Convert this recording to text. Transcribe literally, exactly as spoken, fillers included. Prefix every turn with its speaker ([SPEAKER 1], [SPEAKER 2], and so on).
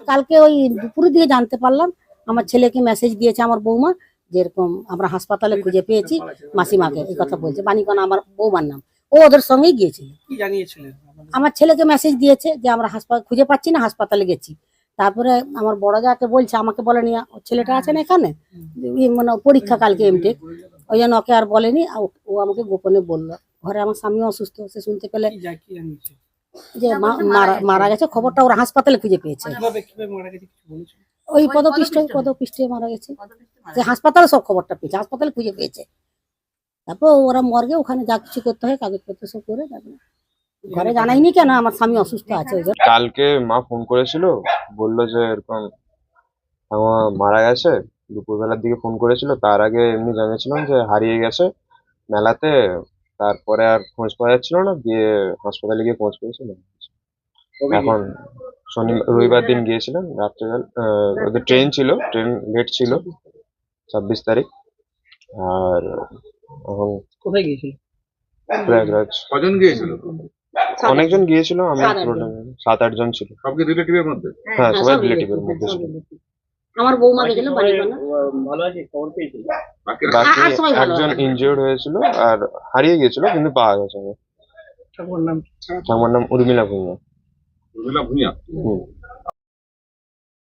[SPEAKER 1] কালকে ওই দুপুরের দিকে জানতে পারলাম, আমার ছেলেকে মেসেজ দিয়েছে আমার বৌমা, যেরকম আমরা হাসপাতালে খুঁজে পেয়েছি মাসিমাকে, এই কথা বলছে। বাণীকণা আমার বৌমার নাম, ও ওদের সঙ্গেই গিয়েছিল।
[SPEAKER 2] কি জানিয়েছিলেন?
[SPEAKER 1] আমার ছেলেকে মেসেজ দিয়েছে যে আমরা হাসপাতাল খুঁজে পাচ্ছি না, হাসপাতালে গেছি। তারপরে আমার বড় যাকে বলছে, আমাকে বলেনি ওর ছেলেটা আছে না এখানে, মানে পরীক্ষা কালকে এমটেক, ওই জন্য ওকে আর বলেনি। ও আমাকে গোপনে বললো। ঘরে আমার স্বামী অসুস্থ, সে শুনতে পেলে যে মারা গেছে, খবরটা ওরা হাসপাতালে খুঁজে পেয়েছে। ওই পদপিষ্ট পদপিষ্টে মারা গেছে, যে হাসপাতালে সব খবরটা পেয়েছে, হাসপাতালে খুঁজে পেয়েছে। তারপর ওরা মর্গে ওখানে যা কিছু করতে হয় কাগজপত্র সব করে, ঘরে জানাইনি কেন আমার স্বামী অসুস্থ আছে।
[SPEAKER 3] কালকে মা ফোন করেছিল, বললো যে এরকম আমার মারা গেছে। দুপুরবেলার দিকে ফোন করেছিল, তার আগে এমনি জানিয়েছিলাম যে হারিয়ে গেছে মেলাতে। তারপরে আর খোঁজ পাওয়া যাচ্ছিল না, দিয়ে হাসপাতালে গিয়ে খোঁজ পেয়েছিল। এখন শনি রবিবার দিন গিয়েছিলাম রাত্রেবেলা, ওদের ট্রেন ছিল, ট্রেন লেট ছিল ছাব্বিশ তারিখ। আর এখন
[SPEAKER 2] কোথায় গিয়েছিল?
[SPEAKER 3] প্রয়াগরাজ।
[SPEAKER 4] কজন গিয়েছিল?
[SPEAKER 3] অনেকজন গিয়েছিল, আমি সাত আট জন ছিল।
[SPEAKER 4] সব কি রিলেটিভের মধ্যে?
[SPEAKER 3] হ্যাঁ, সবাই রিলেটিভের মধ্যে ছিল।
[SPEAKER 1] আমার বৌমা গেছিল বাড়িখানা।
[SPEAKER 2] ভালো আছে, খবর পেয়েছিল।
[SPEAKER 3] বাকি একজন ইনজিওর্ড হয়েছিল আর হারিয়ে গিয়েছিল, কিন্তু পাওয়া গেছে।
[SPEAKER 2] ঠাকুর নাম?
[SPEAKER 3] ঠাকুমার নাম উর্মিলা ভূঁইয়া।
[SPEAKER 4] উর্মিলা ভূঁইয়া।
[SPEAKER 3] হুম।